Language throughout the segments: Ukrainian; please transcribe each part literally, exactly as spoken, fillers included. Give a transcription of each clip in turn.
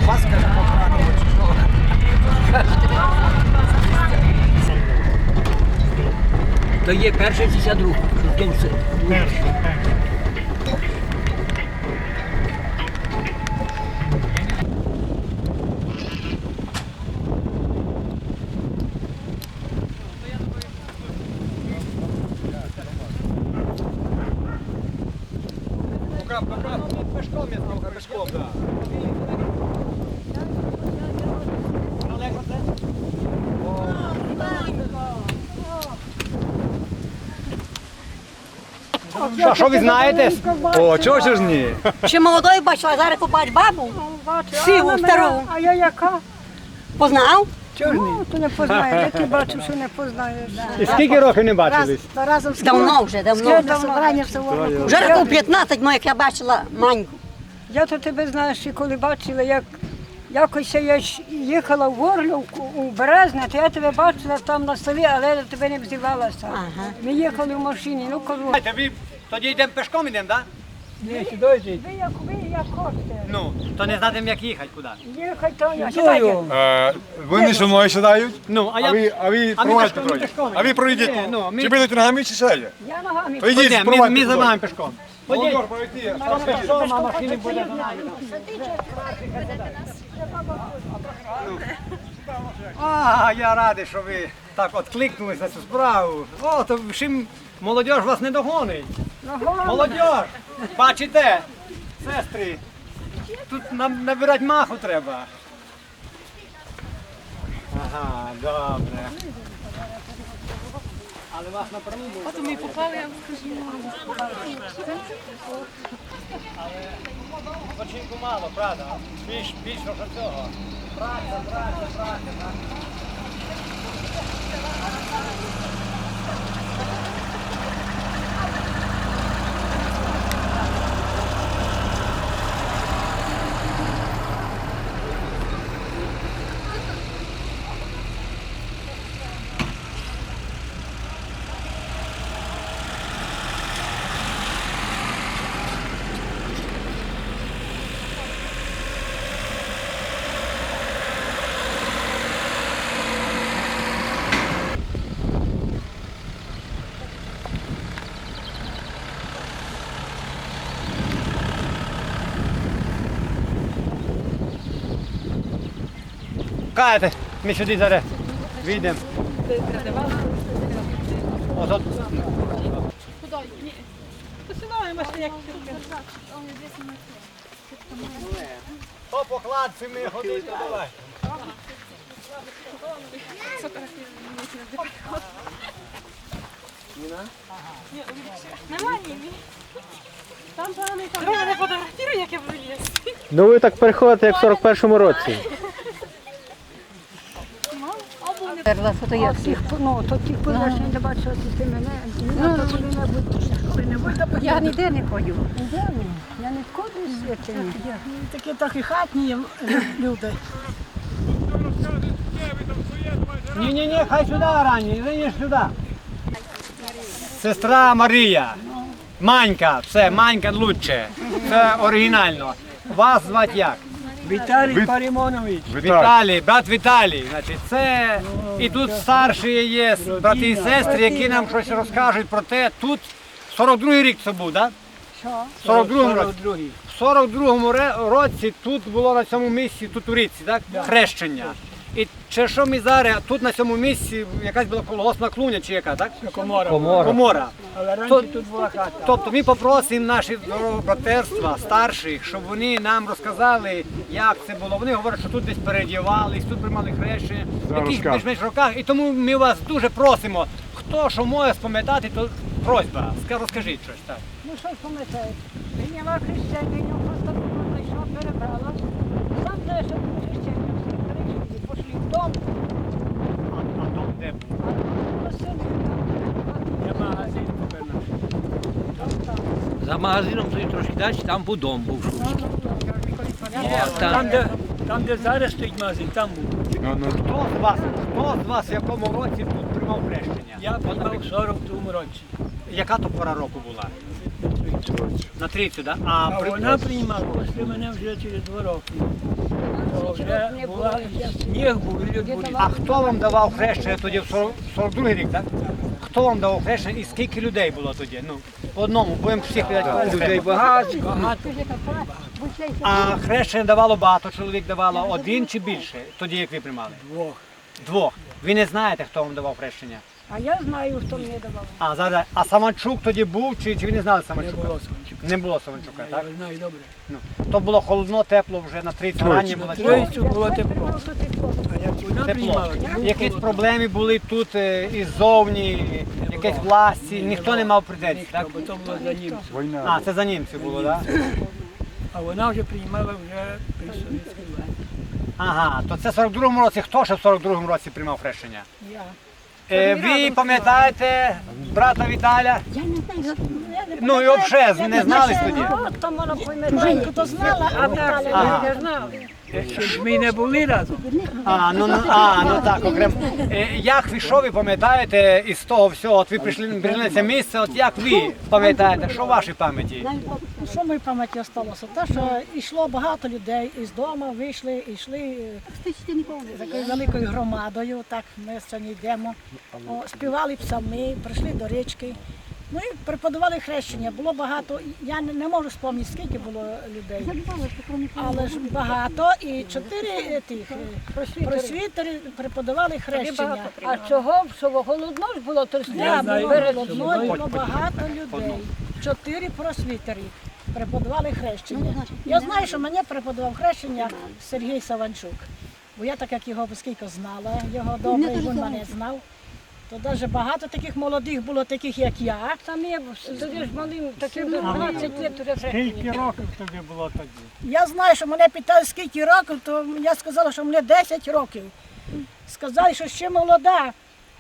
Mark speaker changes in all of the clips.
Speaker 1: Паска ж поправила, чи що? То є перший шістдесят другий. Перший, перший. Пешком я знав, пешком, так. Що, що ви знаєте? О, чого ж ні?
Speaker 2: Ще молодою бачила, зараз побач бабу, сиву, стару.
Speaker 3: А я яка?
Speaker 2: Познав?
Speaker 3: Чого ж ні? То не познаю, я ти бачу, що не познаєш.
Speaker 1: І скільки років не бачились?
Speaker 3: Разом з
Speaker 2: Давно вже, давно.
Speaker 3: Скільки собрання все воно.
Speaker 2: Вже років п'ятнадцять, ну, як я бачила маньку.
Speaker 3: Я то тебе знаєш, і коли бачила, як якось я ж їхала в Горлівку, у Березне, то я тебе бачила там на селі, але я до тебе не взивалася.
Speaker 2: Ага.
Speaker 3: Ми їхали в машині, ну кажу,
Speaker 1: Ви тоді йдемо пешком йдемо, так?
Speaker 3: ні, сюди йдіть. Ви як ви, як хочете.
Speaker 1: Ну, то не знаємо, як їхати куди.
Speaker 3: Їхай то я. Сідайте.
Speaker 4: Е, Вони зі мною сідають,
Speaker 1: Ну, а
Speaker 4: а
Speaker 1: я...
Speaker 4: ви, а ви
Speaker 1: А ми
Speaker 4: проводьте
Speaker 1: пешком,
Speaker 4: пройдіть.
Speaker 1: пешком.
Speaker 4: А ви пройдіть.
Speaker 1: Ні, ну, ми-
Speaker 4: Чи будете ногами, чи сядете?
Speaker 3: Я ногами.
Speaker 4: То йдіть,
Speaker 1: Ходімо, ми,
Speaker 4: проводьте.
Speaker 1: ми за вами пешком. Ходіть.
Speaker 4: Володимир, пройти.
Speaker 1: Пешком, а машини буде за нами. А, я радий, що ви так откликнулись на цю справу. О, то чим молодь вас не догонить. Молодь, бачите, сестри, тут нам набирати маху треба. Ага, добре. Але вас напряму буде.
Speaker 5: От ми попали, я вам скажу.
Speaker 1: Починку мало, правда? Більш, більш що цього. Праця, праця, праця. Каєте, ми сюди зараз вийдемо. Ото
Speaker 5: Куди? Ні. То сюди, бачите, як
Speaker 1: по покладці ми ходити, давай.
Speaker 5: Нема ні. Там пане, там. Друга не фотографіруй, як я виліз.
Speaker 6: Ну ви так переходите, як в сорок першому році.
Speaker 3: Тих, ну, то тих позначень не бачила, ти мене. Ну, то коли-небудь.
Speaker 2: Я ніде не ходю.
Speaker 3: Я не входжу в святині. Такі трохи хатні люди.
Speaker 1: Ні-ні-ні, хай сюди ранні, не сюди. Сестра Марія, Манька, все, Манька лучше, це оригінально. Вас звати як?
Speaker 3: Віталій
Speaker 4: Віт-
Speaker 3: Парімонович.
Speaker 4: Віталій.
Speaker 1: Віталій, брат Віталій. Значить, це і тут старші є брати і сестри, які нам щось розкажуть про те. Тут сорок другий рік це був, так?
Speaker 3: Що?
Speaker 1: В сорок другому році. В сорок другому ре- році тут було на цьому місці, тут у річці, так? Хрещення. І чи що ми зараз, тут на цьому місці якась була колгоспна клуня чи яка, так?
Speaker 3: Комора.
Speaker 6: Комора.
Speaker 1: Комора.
Speaker 3: Але
Speaker 1: То-
Speaker 3: раніше тут була хата.
Speaker 1: Тобто ми попросимо наші братерства, старших, щоб вони нам розказали, як це було. Вони говорять, що тут десь передівались, тут приймали хрещення, в
Speaker 4: Зараз
Speaker 1: яких
Speaker 4: розкажу.
Speaker 1: більш-менш роках. І тому ми вас дуже просимо, хто що може спам'ятати, то просьба, ска- розкажіть щось. Так.
Speaker 3: Ну що ж пам'ятаєш? Прийняла хрещення, я просто прийшла, перебрала. Сам знаєш, що було хрещення, всі прийшли, пішли в дом.
Speaker 1: А, а то де був?
Speaker 3: А на селі там.
Speaker 1: Є магазин тепер наш.
Speaker 7: За магазином стоїть трошки далі, там був дом був Шумський.
Speaker 3: Там,
Speaker 7: де,
Speaker 3: там, де зараз стоїть магазин, там був.
Speaker 4: Ну, ну,
Speaker 1: Хто з вас, хто з вас в якому році тут приймав хрещення?
Speaker 3: Я приймав в сорок другому році.
Speaker 1: Яка то пора року була?
Speaker 4: коротше.
Speaker 1: На тридцять, да? А,
Speaker 3: А
Speaker 1: при-
Speaker 3: вона приймала після мене вже через два роки. двадцять років не було.
Speaker 7: Сніг був, і люди були.
Speaker 1: А хто вам давав хрещення тоді в сорок сорок другий рік, так? Хто вам давав хрещення і скільки людей було тоді? Ну, по одному, будемо всіх питати.
Speaker 7: Людей багато, багато.
Speaker 1: А хрещення давало багато, чоловік давало один чи більше, тоді як ви приймали?
Speaker 3: Двох.
Speaker 1: Двох. Ви не знаєте, хто вам давав хрещення?
Speaker 3: А я знаю, хто мені давав.
Speaker 1: А, зараз, а Саманчук тоді був, чи, чи ви не знали Саманчука?
Speaker 3: Не було Саманчука.
Speaker 1: Не було Саманчука, так?
Speaker 3: Я знаю добре.
Speaker 1: Ну, то було холодно, тепло вже на тридцять ранні було.
Speaker 3: Тройцю було тепло. А як вона
Speaker 1: Тепло.
Speaker 3: приймала,
Speaker 1: Якісь проблеми були тут е, іззовні, якісь власті, ніхто не мав претензій, так?
Speaker 3: бо то було за німців.
Speaker 4: Війна.
Speaker 1: А, це за німців було, так?
Speaker 3: А вона вже приймала вже при совєтській владі.
Speaker 1: Ага, то це в сорок другому році. Хто ще в сорок другому році приймав хрещення?
Speaker 3: Я.
Speaker 1: Е, ви пам'ятаєте брата Віталя?
Speaker 2: Я не знаю, я не
Speaker 1: Ну і взагалі, не знали тоді?
Speaker 3: От там вона пам'ятає, то знала, а Віталя
Speaker 1: Ага.
Speaker 3: не знала. Ще ж ми не були разом.
Speaker 1: А, ну, ну, а, ну так, окремо. Е, як ви, що ви пам'ятаєте із того всього? От ви прийшли, прийшли на це місце, от як ви пам'ятаєте, що в вашій пам'яті?
Speaker 5: Що в моїй пам'яті залишилося? Те, що йшло багато людей із дому, вийшли, йшли е, з такою великою громадою, так ми сьогодні йдемо, О, співали псалми, прийшли до річки. Ну і преподавали хрещення. Було багато, я не, не можу спомнити, скільки було людей, але ж багато. І чотири е, тих е, просвітери преподавали хрещення.
Speaker 3: А чого? Що голодно ж було, то
Speaker 5: Я
Speaker 3: сня
Speaker 5: було
Speaker 3: перед
Speaker 5: одною, було багато людей. Чотири просвітери преподавали хрещення. Я знаю, що мене преподавав хрещення Сергій Саванчук. Бо я так як його скільки знала, його добре, і він мене знав. То навіть багато таких молодих було, таких як я.
Speaker 3: Там є, тоді ж малим, таким дванадцять років вже
Speaker 1: Скільки років тобі було тоді?
Speaker 5: Я знаю, що мене питали, скільки років, то я сказала, що мені десять років. Сказали, що ще молода.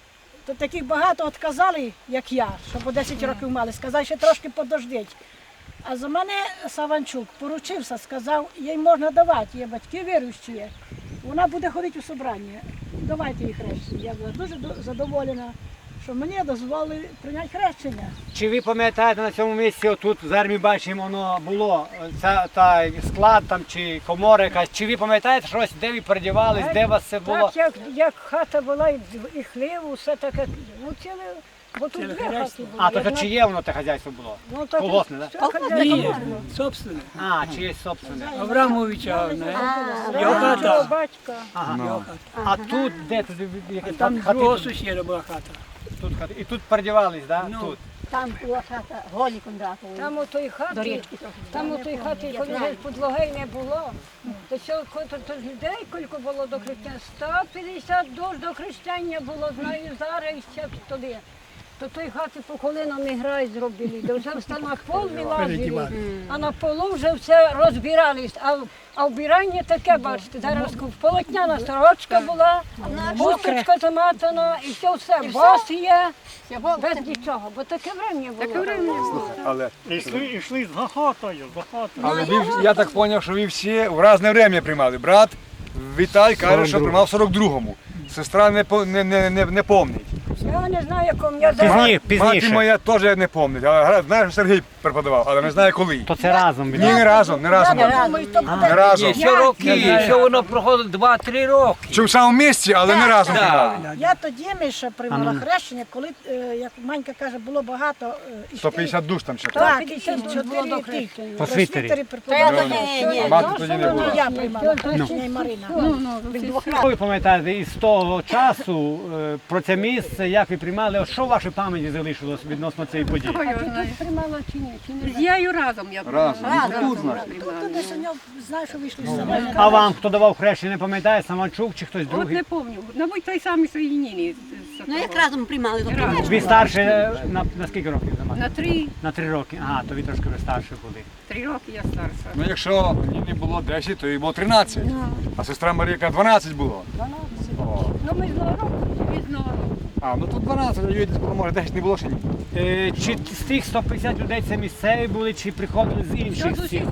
Speaker 5: То таких багато відказали, як я, що по десять років мали. Сказали, що трошки подождіть. А за мене Саванчук поручився, сказав, їй можна давати, є батьки віруючі є. Вона буде ходити у собрання. Давайте їй хрещення. Я була дуже до- задоволена, що мені дозволили прийняти хрещення.
Speaker 1: Чи ви пам'ятаєте на цьому місці, отут зараз ми бачимо, воно було ця, та склад там чи комора якась. Чи ви пам'ятаєте щось, де ви передівались, де у вас це було?
Speaker 3: Так, як, як хата була, і, і хлів, усе таке, ну ціле, бо тут дві хати були.
Speaker 1: А, то
Speaker 3: одна-
Speaker 1: чиє воно те хазяйство було?
Speaker 3: ну, так,
Speaker 1: колгоспне, да?
Speaker 3: це хазяйство
Speaker 5: Ні,
Speaker 3: було.
Speaker 5: собственно.
Speaker 1: А, чиєсь собственне.
Speaker 5: Аврамовича,
Speaker 3: Його хата. Батька.
Speaker 1: Ага. А тут де тут якась
Speaker 5: Там
Speaker 1: хати?
Speaker 5: другого
Speaker 1: Тут,
Speaker 5: сусіда була хата.
Speaker 1: тут хати. І тут передівались, да? Тут.
Speaker 2: Там була хата Голі Кондратової.
Speaker 3: Там у той
Speaker 2: До
Speaker 3: хаті,
Speaker 2: річки трохи.
Speaker 3: там у той хаті, коли вже підлоги не було, то що, то, то ж людей кілько було до хрещення? сто п'ятдесят душ до хрещення було, знаю, зараз і ще туди. То той хати по колінам і грай зробили, де вже все на пол вилазили, а на полу вже все розбирались. А, в- а вбирання таке, бачите, зараз полотняна сорочка була, хусточка заматана, і все, все, бос є, без нічого, бо таке врем'я було.
Speaker 4: Але,
Speaker 1: Ішли, ішли з гахотою, з гахотою.
Speaker 4: але ви, я так зрозумів, що ви всі в різне время приймали. Брат Віталь каже, що приймав в сорок другому. Сестра не, по- не, не, не, не помнить.
Speaker 3: Я не знаю, якому я
Speaker 1: Пізні-
Speaker 3: зараз.
Speaker 4: Мати
Speaker 1: пізніше.
Speaker 4: моя теж не помнить. Але гра- знає, що Сергій преподавав, але не знає коли.
Speaker 1: То це разом.
Speaker 4: Ні, не разом, не разом.
Speaker 5: Думаю, то буде
Speaker 4: Не разом.
Speaker 7: Ні, що роки, що воно проходить два-три роки.
Speaker 4: Чи в самому місці, але не разом
Speaker 7: Так.
Speaker 4: приймали.
Speaker 5: Я тоді Міша приймала хрещення, коли, е, як Манька каже, було багато. е, і
Speaker 4: сто п'ятдесят душ там ще.
Speaker 5: Так, і
Speaker 3: п'ятдесят було до
Speaker 5: чотири
Speaker 3: хрещення.
Speaker 5: тих
Speaker 1: Просвітері.
Speaker 5: просвітери преподавали.
Speaker 2: Ні, ні.
Speaker 4: А мати тоді не
Speaker 5: Ну,
Speaker 4: було.
Speaker 5: я приймала хрещення і Марина.
Speaker 1: Що ви пам'ятаєте із того часу е, про це місце, як ви приймали, от що в вашій пам'яті залишилось відносно цієї події?
Speaker 3: Приймала чи ні? Чи не?
Speaker 8: З яю разом я була.
Speaker 4: Разом.
Speaker 5: Тут десь у нього, знаєш, що вийшли з собою.
Speaker 1: А вам хто давав хрещення, не пам'ятає, Саманчук чи хтось
Speaker 8: От
Speaker 1: другий?
Speaker 8: не пам'ятаю. Мабуть, той самий Соєніні.
Speaker 2: Ну як разом приймали, то
Speaker 8: Разом.
Speaker 1: Ви старше е, на, на скільки років за мати?
Speaker 8: На три,
Speaker 1: На три роки. Ага, то ви трошки ви старші були.
Speaker 8: три роки я старша.
Speaker 4: Ну якщо мені було десять, то їй було тринадцять. А сестра Марійка дванадцять було. О.
Speaker 3: Ну ми з року.
Speaker 8: Різного.
Speaker 4: А, ну тут дванадцять, а їй десь було, може десять не було ще ні.
Speaker 1: Е, чи з тих сто п'ятдесят людей це місцеві були, чи приходили з інших сіл?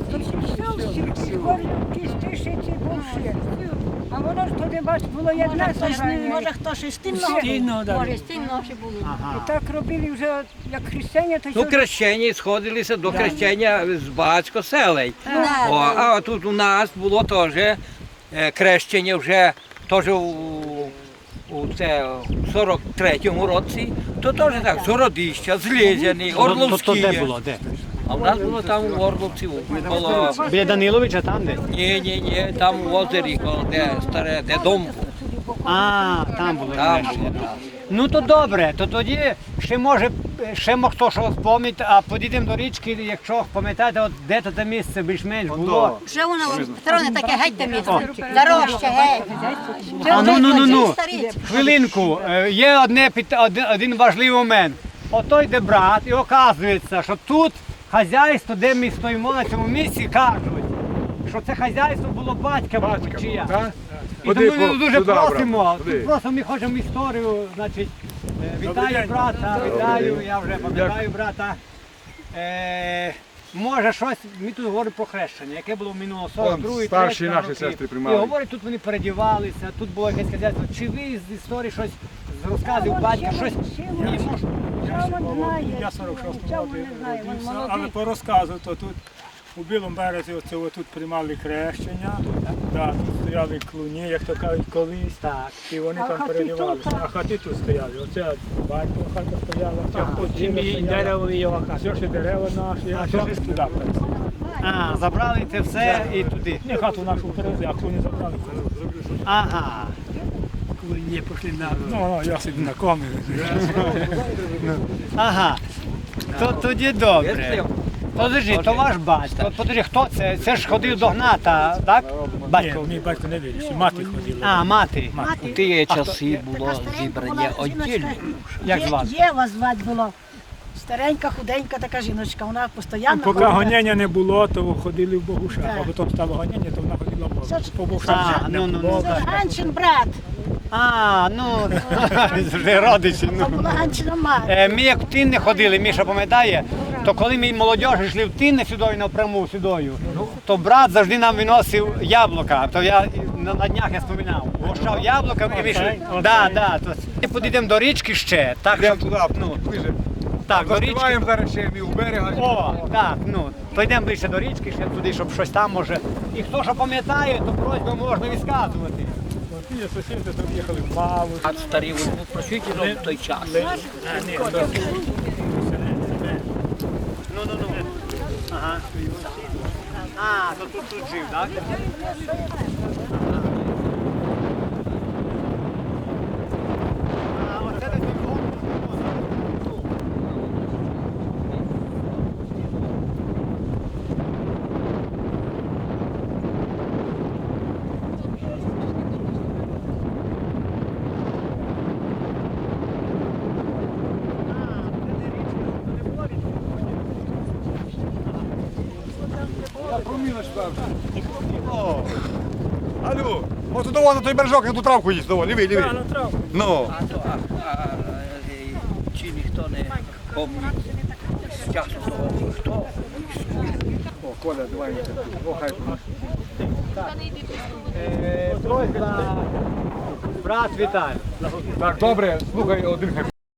Speaker 3: Тисячі більше. А воно ж туди, бач, було
Speaker 5: Може,
Speaker 3: одне
Speaker 5: хтось, не-
Speaker 3: собрання.
Speaker 5: може хтось із стільного.
Speaker 2: може стільно ночі були.
Speaker 3: І
Speaker 1: Ага.
Speaker 3: так робили вже, як хрещення, то
Speaker 7: Ну,
Speaker 3: що
Speaker 7: хрещення сходилися до хрещення з багатько селей.
Speaker 2: Да,
Speaker 7: О, а тут у нас було теж е, хрещення вже теж у, у це, в сорок третьому році, то теж так, з Городища, з Лєзяни,
Speaker 1: То, то, то
Speaker 7: Орловські.
Speaker 1: де було? Де?
Speaker 7: А в нас було там у Орловці, було,
Speaker 1: Біля Даниловича там де?
Speaker 7: ні, ні, ні, там у озері, коло де старе, де дом був.
Speaker 1: А, там було
Speaker 7: Там
Speaker 1: хрещення.
Speaker 7: було, так.
Speaker 1: Ну то добре, то тоді ще може, ще мо хто що спомнить, а підійдемо до річки, якщо пам'ятаєте, от де то те місце більш-менш було.
Speaker 2: Вже воно сторони таке геть те місце. Дорожче, геть.
Speaker 1: А ну ну ну ну
Speaker 2: Старі.
Speaker 1: хвилинку, е, є одне пит- один, один важливий момент. Ото йде брат, і оказується, що тут хазяйство, де ми стоїмо на цьому місці, кажуть, що це хазяйство було батька Батькія.
Speaker 4: Так?
Speaker 1: І
Speaker 4: Ходи
Speaker 1: тому ми
Speaker 4: по-
Speaker 1: дуже
Speaker 4: туди, брат,
Speaker 1: просимо,
Speaker 4: ходи.
Speaker 1: тут просто ми хочемо історію, значить, е, вітаю брата, вітаю, я вже пам'ятаю брата. Е, може щось, ми тут говоримо про хрещення, яке було в минулого сорок другий,
Speaker 4: старші
Speaker 1: третій
Speaker 4: наші
Speaker 1: роки.
Speaker 4: сестри
Speaker 1: І
Speaker 4: приймали.
Speaker 1: говорять, тут вони передівалися, тут було якесь хазяйство. Чи ви з історії щось, з розказів батька, щось? Ні, може.
Speaker 9: Я сорок шостому
Speaker 3: Нічого
Speaker 9: році
Speaker 3: не знаю, він
Speaker 9: родився,
Speaker 3: молодий.
Speaker 9: але по розказу, то тут у Білому березі оце тут приймали хрещення, да, тут стояли клуні, як то кажуть, колись,
Speaker 1: Так.
Speaker 9: і вони
Speaker 3: А
Speaker 9: там
Speaker 3: хати
Speaker 9: передівалися.
Speaker 3: тут,
Speaker 9: А хати тут стояли. Оце батько хата стояла, це потім і дерево його хата. Все ще дерева наші, а все ж туди перейшли.
Speaker 1: А, забрали це все і туди.
Speaker 9: Не хату нашу перевезли, а клуні забрали.
Speaker 1: Ага.
Speaker 9: Клуні пішли на... Ну, ну, я собі на комі.
Speaker 1: Ага. То тоді добре. Подожди, то ваш батько. Подожди, хто це? Це ж ходив до Гната, так?
Speaker 9: Ні,
Speaker 1: Батько.
Speaker 9: мій батько не вірить, мати ходила.
Speaker 1: А, мати.
Speaker 7: У ті часи було зібрання віддільне.
Speaker 1: Як звати?
Speaker 5: Єва звати було. Старенька, худенька така жіночка, вона постійно.
Speaker 9: Поки
Speaker 5: була.
Speaker 9: гонення не було, то ходили в Богушах,
Speaker 5: Так.
Speaker 9: а потім стало гонення, то вона ходила в Богушах.
Speaker 5: Це ж-
Speaker 9: По
Speaker 1: А,
Speaker 9: Богушах
Speaker 1: ну, ну, ну.
Speaker 5: Це Анчин брат,
Speaker 1: А, ну, вже родичі.
Speaker 5: а
Speaker 1: Ну.
Speaker 5: була Анчина мати.
Speaker 1: Е, Ми як в Тинне ходили, Міша пам'ятає, то коли ми молодіжі йшли в Тинне сюдою напряму сюдою, то брат завжди нам виносив яблука. То я на, на днях я споминав. Гощав яблуками і ми йшли. Да, да, то ми підійдемо до річки ще. Так,
Speaker 4: Йдемо
Speaker 1: щоб,
Speaker 4: туди,
Speaker 1: ну,
Speaker 4: ближе.
Speaker 1: так, до річки.
Speaker 4: Заспіваємо зараз ще і у берега.
Speaker 1: О, так, ну, то йдемо ближче до річки, ще туди, щоб щось там може. І хто що пам'ятає, то просьбу можна відказувати.
Speaker 9: Ті сусіди там їхали в Малу.
Speaker 7: А старі вони просвіті в той час.
Speaker 1: Ну, ну, ну. Ага. А, то тут, тут жив, так? А, оце десь той фонд.
Speaker 4: О, алло, от туди на той бережок, я ту травку їсть, давай, лівий, лівий. Ну,
Speaker 7: А то, а, а, е, чи ніхто не пам'ятає з часу того, хто
Speaker 4: о, Коля, давай. О, хай.
Speaker 1: Е, Просьба, брат Віталій.
Speaker 4: Так, добре, слухай, один хай.